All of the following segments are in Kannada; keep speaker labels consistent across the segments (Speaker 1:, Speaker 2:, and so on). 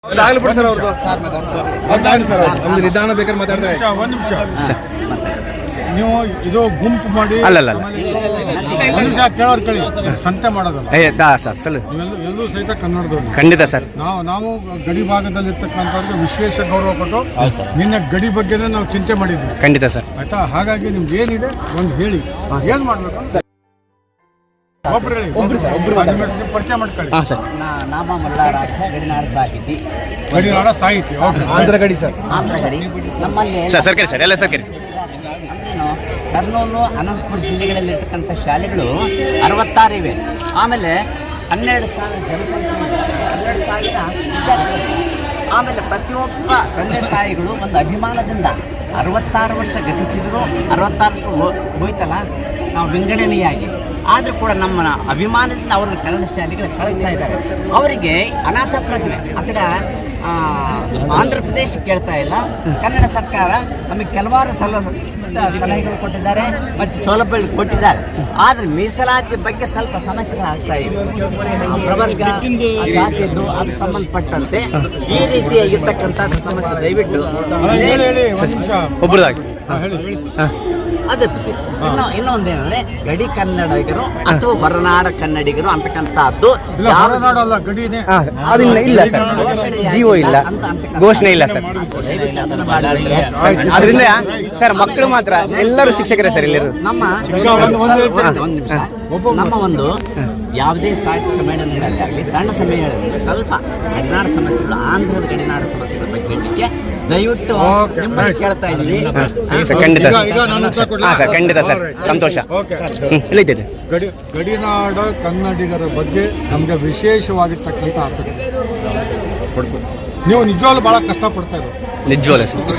Speaker 1: ಬಿಡಿ ಸರ್ ಅವ್ರದ್ದು ಸರ್ ಒಂದು ನಿಧಾನ ಬೇಕಾದ್ರೆ ಮಾತಾಡಿದ್ರೆ
Speaker 2: ಒಂದು ನಿಮಿಷ ನೀವು ಇದು ಗುಂಪು ಮಾಡಿ
Speaker 3: ಅಲ್ಲಲ್ಲ
Speaker 2: ನಿಮಿಷ ಕೇಳೋರು ಕೇಳಿ ಸಂತೆ ಮಾಡೋದಲ್ಲ ಎಲ್ಲೂ ಸಹಿತ ಕನ್ನಡದವ್ರು
Speaker 3: ಖಂಡಿತ ಸರ್.
Speaker 2: ನಾವು ಗಡಿ ಭಾಗದಲ್ಲಿರ್ತಕ್ಕಂಥವ್ರಿಗೆ ವಿಶೇಷ ಗೌರವ ಕೊಟ್ಟು ನಿನ್ನ ಗಡಿ ಬಗ್ಗೆನೇ ನಾವು ಚಿಂತೆ ಮಾಡಿದ್ವಿ.
Speaker 3: ಖಂಡಿತ ಸರ್.
Speaker 2: ಆಯ್ತಾ? ಹಾಗಾಗಿ ನಿಮ್ಗೆ ಏನಿದೆ ಒಂದು ಹೇಳಿ ಏನ್ ಮಾಡ್ಬೇಕು ಪರಿಚಯ ಮಾಡ್ಕೊಳ್ಳಿ.
Speaker 4: ನಾಮ ಮಲ್ಲಾರಾಕ್ಷ ಗಡಿನಾಡ ಸಾಹಿತಿ.
Speaker 2: ಗಡಿನಾಡ ಸಾಹಿತಿ
Speaker 1: ಆಂಧ್ರ ಗಡಿ ಸರ್.
Speaker 4: ಆಂಧ್ರ ಗಡಿ ನಮ್ಮಲ್ಲಿ
Speaker 3: ಸರ್ಕಾರಿ ಸರ್ ಎಲ್ಲ ಸರ್ಕಾರಿ.
Speaker 4: ಅಂದ್ರೇನು ಕರ್ನೂಲು ಅನಂತಪುರ ಜಿಲ್ಲೆಗಳಲ್ಲಿರ್ತಕ್ಕಂಥ ಶಾಲೆಗಳು 66 ಇವೆ. ಆಮೇಲೆ 12,000 ಜನಸಂಖ್ಯೆ, 12,000 ವಿದ್ಯಾರ್ಥಿಗಳು. ಆಮೇಲೆ ಪ್ರತಿಯೊಬ್ಬ ತಂದೆ ತಾಯಿಗಳು ಒಂದು ಅಭಿಮಾನದಿಂದ 66 ವರ್ಷ ಗತಿಸಿದ್ರು, 66 ವರ್ಷ ಹೋಯ್ತಲ್ಲ ನಾವು ವಿಂಗಡಣೆಯಾಗಿ, ಆದರೂ ಕೂಡ ನಮ್ಮ ಅಭಿಮಾನದಿಂದ ಅವ್ರನ್ನ ಕನ್ನಡ ಶಾಲೆಗಳಿಗೆ ಕಳಿಸ್ತಾ ಇದ್ದಾರೆ. ಅವರಿಗೆ ಅನಾಥ ಪ್ರಜ್ಞೆ ಆ ಕಡೆ ಆಂಧ್ರ ಪ್ರದೇಶ ಕೇಳ್ತಾ ಇಲ್ಲ. ಕನ್ನಡ ಸರ್ಕಾರ ನಮಗೆ ಕೆಲವಾರು ಸಲಹೆಗಳು ಕೊಟ್ಟಿದ್ದಾರೆ ಮತ್ತು ಸೌಲಭ್ಯಗಳು ಕೊಟ್ಟಿದ್ದಾರೆ. ಆದರೆ ಮೀಸಲಾತಿ ಬಗ್ಗೆ ಸ್ವಲ್ಪ ಸಮಸ್ಯೆಗಳಾಗ್ತಾ ಇವೆ. ಪ್ರವರ್ಗ ಜಾತಿಯದ್ದು ಅದು ಸಂಬಂಧಪಟ್ಟಂತೆ ಈ ರೀತಿಯಾಗಿರ್ತಕ್ಕಂಥ ಸಮಸ್ಯೆ ದಯವಿಟ್ಟು
Speaker 3: ಒಬ್ಬರದಾಗಿ
Speaker 4: ಅದೇ ಇನ್ನೊಂದೇನಂದ್ರೆ ಗಡಿ ಕನ್ನಡಿಗರು ಅಥವಾ ಹೊರನಾಡ ಕನ್ನಡಿಗರು ಅಂತಕ್ಕಂಥದ್ದು
Speaker 3: ಅದನ್ನ ಇಲ್ಲ ಸರ್, ಜೀವೋ ಇಲ್ಲ, ಘೋಷಣೆ ಇಲ್ಲ ಸರ್. ಅದರಿಂದ ಸರ್ ಮಕ್ಕಳು ಮಾತ್ರ ಎಲ್ಲರೂ ಶಿಕ್ಷಕರೇ ಸರ್. ಎಲ್ಲರೂ
Speaker 4: ನಮ್ಮ ಒಂದು ಯಾವುದೇ ಸಾಹಿತ್ಯ ಸಮ್ಮೇಳನಗಳಲ್ಲಾಗಲಿ ಸಣ್ಣ ಸಮ್ಮೇಳನಗಳಲ್ಲಿ ಸ್ವಲ್ಪ ಗಡಿನಾಡ ಸಮಸ್ಯೆಗಳು, ಆಂಧ್ರದ ಗಡಿನಾಡ ಸಮಸ್ಯೆಗಳ ಬಗ್ಗೆ ಹೇಳಲಿಕ್ಕೆ ದಯವಿಟ್ಟು ನಿಮ್ಮನ್ನು ಕೇಳ್ತಾ ಇದ್ದೀವಿ.
Speaker 3: ಖಂಡಿತ ಸರ್, ಖಂಡಿತ ಸರ್, ಸಂತೋಷ.
Speaker 2: ಗಡಿನಾಡ ಕನ್ನಡಿಗರ ಬಗ್ಗೆ ನಮಗೆ ವಿಶೇಷವಾಗಿರ್ತಕ್ಕಂಥ ಆಸಕ್ತಿ. ನೀವು ನಿಜವಾಗ್ಲೂ ಬಹಳ ಕಷ್ಟಪಡ್ತಾ ಇರೋ
Speaker 3: ನಿಜವಾಗ್ಲೂ ಸರ್.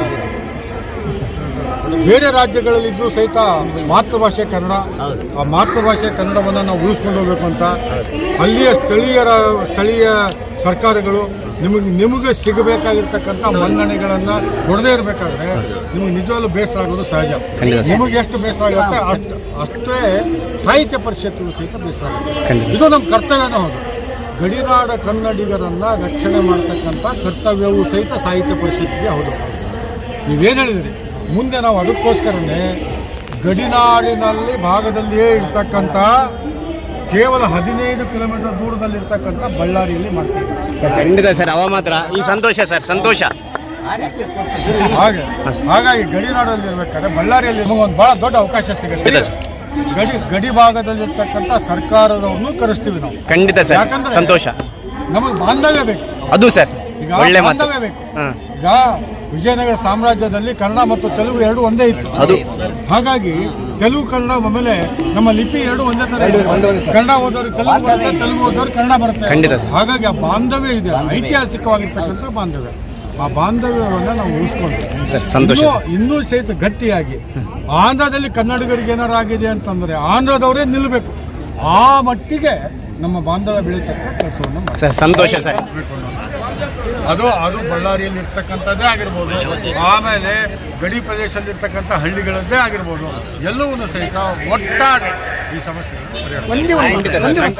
Speaker 2: ಬೇರೆ ರಾಜ್ಯಗಳಲ್ಲಿದ್ದರೂ ಸಹಿತ ಮಾತೃಭಾಷೆ ಕನ್ನಡ. ಆ ಮಾತೃಭಾಷೆ ಕನ್ನಡವನ್ನು ನಾವು ಉಳಿಸ್ಕೊಂಡು ಹೋಗ್ಬೇಕು ಅಂತ ಅಲ್ಲಿಯ ಸ್ಥಳೀಯ ಸರ್ಕಾರಗಳು ನಿಮಗೆ ಸಿಗಬೇಕಾಗಿರ್ತಕ್ಕಂಥ ಮನ್ನಣೆಗಳನ್ನು ಕೊಡದೇ ಇರಬೇಕಾದ್ರೆ ನಿಮಗೆ ನಿಜವಾಗ್ಲೂ ಬೇಸರ ಆಗೋದು ಸಹಜ. ನಿಮಗೆ ಎಷ್ಟು ಬೇಸರ ಆಗುತ್ತೆ ಅಷ್ಟೇ ಸಾಹಿತ್ಯ ಪರಿಷತ್ತಿಗೂ ಸಹಿತ ಬೇಸರ ಆಗುತ್ತೆ. ಇದು ನಮ್ಮ ಕರ್ತವ್ಯನೂ ಹೌದು. ಗಡಿನಾಡ ಕನ್ನಡಿಗರನ್ನು ರಕ್ಷಣೆ ಮಾಡ್ತಕ್ಕಂಥ ಕರ್ತವ್ಯವೂ ಸಹಿತ ಸಾಹಿತ್ಯ ಪರಿಷತ್ತಿಗೆ ಹೌದು. ನೀವೇನು ಹೇಳಿದಿರಿ, ಮುಂದೆ ನಾವು ಅದಕ್ಕೋಸ್ಕರನೇ ಗಡಿನಾಡಿನಲ್ಲಿ ಭಾಗದಲ್ಲಿಯೇ ಇರ್ತಕ್ಕಂಥ ಕೇವಲ 15 ಕಿಲೋಮೀಟರ್ ದೂರದಲ್ಲಿರ್ತಕ್ಕಂಥ ಬಳ್ಳಾರಿಯಲ್ಲಿ ಮಾಡ್ತೀವಿ.
Speaker 3: ಖಂಡಿತ ಸರ್, ಅವ ಮಾತ್ರ ಈ ಸಂತೋಷ ಸರ್, ಸಂತೋಷ.
Speaker 2: ಹಾಗಾಗಿ ಗಡಿನಾಡಲ್ಲಿ ಇರ್ಬೇಕಾದ್ರೆ ಬಳ್ಳಾರಿಯಲ್ಲಿ ನಮಗೊಂದು ಬಹಳ ದೊಡ್ಡ ಅವಕಾಶ ಸಿಗುತ್ತೆ. ಗಡಿ ಭಾಗದಲ್ಲಿರ್ತಕ್ಕಂಥ ಸರ್ಕಾರದವ್ರನ್ನು ಕರೆಸ್ತೀವಿ ನಾವು.
Speaker 3: ಖಂಡಿತ ಸರ್, ಯಾಕಂದ್ರೆ ಸಂತೋಷ.
Speaker 2: ನಮಗೆ ಬಾಂಧವ್ಯ ಬೇಕು.
Speaker 3: ಅದು ಸರ್
Speaker 2: ಈಗ ಬಾಂಧವ್ಯ ಬೇಕು. ಈಗ ವಿಜಯನಗರ ಸಾಮ್ರಾಜ್ಯದಲ್ಲಿ ಕನ್ನಡ ಮತ್ತು ತೆಲುಗು ಎರಡು ಒಂದೇ ಇತ್ತು. ಅದು ಹಾಗಾಗಿ ತೆಲುಗು ಕನ್ನಡ ಆಮೇಲೆ ನಮ್ಮ ಲಿಪಿ ಎರಡು ಒಂದೇ ತರ. ಕನ್ನಡ ಓದೋರಿಗೆ ತೆಲುಗು ಬರುತ್ತೆ, ತೆಲುಗು ಓದೋರಿಗೆ ಕನ್ನಡ ಬರುತ್ತೆ. ಹಾಗಾಗಿ ಆ ಬಾಂಧವ್ಯ ಇದೆ, ಐತಿಹಾಸಿಕವಾಗಿರ್ತಕ್ಕಂಥ ಬಾಂಧವ್ಯ. ಆ ಬಾಂಧವ್ಯವನ್ನು ನಾವು ಉಳಿಸ್ಕೊಂಡು ಇನ್ನೂ ಸಹಿತ ಗಟ್ಟಿಯಾಗಿ ಆಂಧ್ರದಲ್ಲಿ ಕನ್ನಡಿಗರಿಗೆ ಏನಾರು ಆಗಿದೆ ಅಂತಂದ್ರೆ ಆಂಧ್ರದವರೇ ನಿಲ್ಲಬೇಕು. ಆ ಮಟ್ಟಿಗೆ ನಮ್ಮ ಬಾಂಧವ್ಯ ಬೆಳೀತಕ್ಕ ಕೆಲಸವನ್ನು ಮಾಡಿ.
Speaker 3: ಸಂತೋಷ ಸರ್.
Speaker 2: ಅದು ಬಳ್ಳಾರಿಯಲ್ಲಿ ಇರ್ತಕ್ಕಂಥದ್ದೇ ಆಗಿರ್ಬೋದು, ಆಮೇಲೆ ಗಡಿ ಪ್ರದೇಶದಲ್ಲಿರ್ತಕ್ಕಂಥ ಹಳ್ಳಿಗಳದ್ದೇ ಆಗಿರ್ಬೋದು, ಎಲ್ಲವನ್ನೂ ಸಹಿತ ಒಟ್ಟಾರೆ ಈ ಸಮಸ್ಯೆ